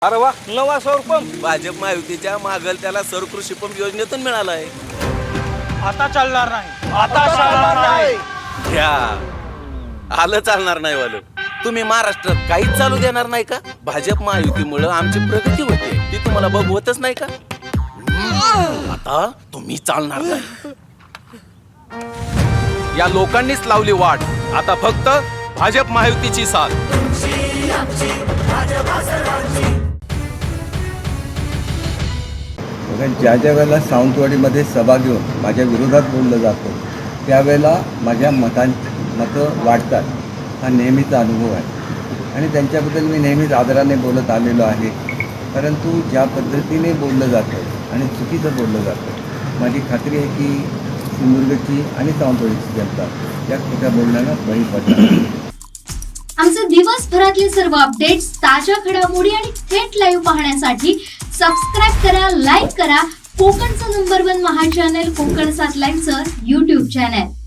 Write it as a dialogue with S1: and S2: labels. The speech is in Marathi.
S1: अरे वा, नवा सौर पंप
S2: भाजप महायुतीच्या मागल त्याला सौर कृषी पंप योजनेतून मिळाला आहे.
S1: आता चालणार नाही, आता चालणार नाही.
S2: घ्या, आलं चालणार नाही वालं. तुम्ही महाराष्ट्रात काहीच चालू देणार नाही का? भाजप महायुतीमुळे आमची प्रगती होते ती तुम्हाला बघवतच नाही का? आता तुम्ही चालणार नाही. या लोकांनीच लावली वाट. आता फक्त भाजप महायुतीची साथ.
S3: ज्या ज्या वेळेला सावंतवाडीमध्ये सभा घेऊन माझ्या विरोधात बोललं जातं त्यावेळेला माझ्या मतं वाढतात. हा नेहमीचा अनुभव आहे आणि त्यांच्याबद्दल मी नेहमीच आदराने बोलत आलेलो आहे. परंतु ज्या पद्धतीने बोललं जातं आणि चुकीचं बोललं जातं, माझी खात्री आहे की सिंधुदुर्गची आणि सावंतवाडीची जनता या खोट्या बोलण्याला बळी पडणार.
S4: आमचे दिवसभरातले सर्व अपडेट्स, ताज्या घडामोडी आणि थेट लाईव्ह पाहण्यासाठी सबस्क्राईब करा, लाईक करा कोकणचं नंबर 1 महा चॅनल कोकण 7 लाईनचं YouTube चॅनल.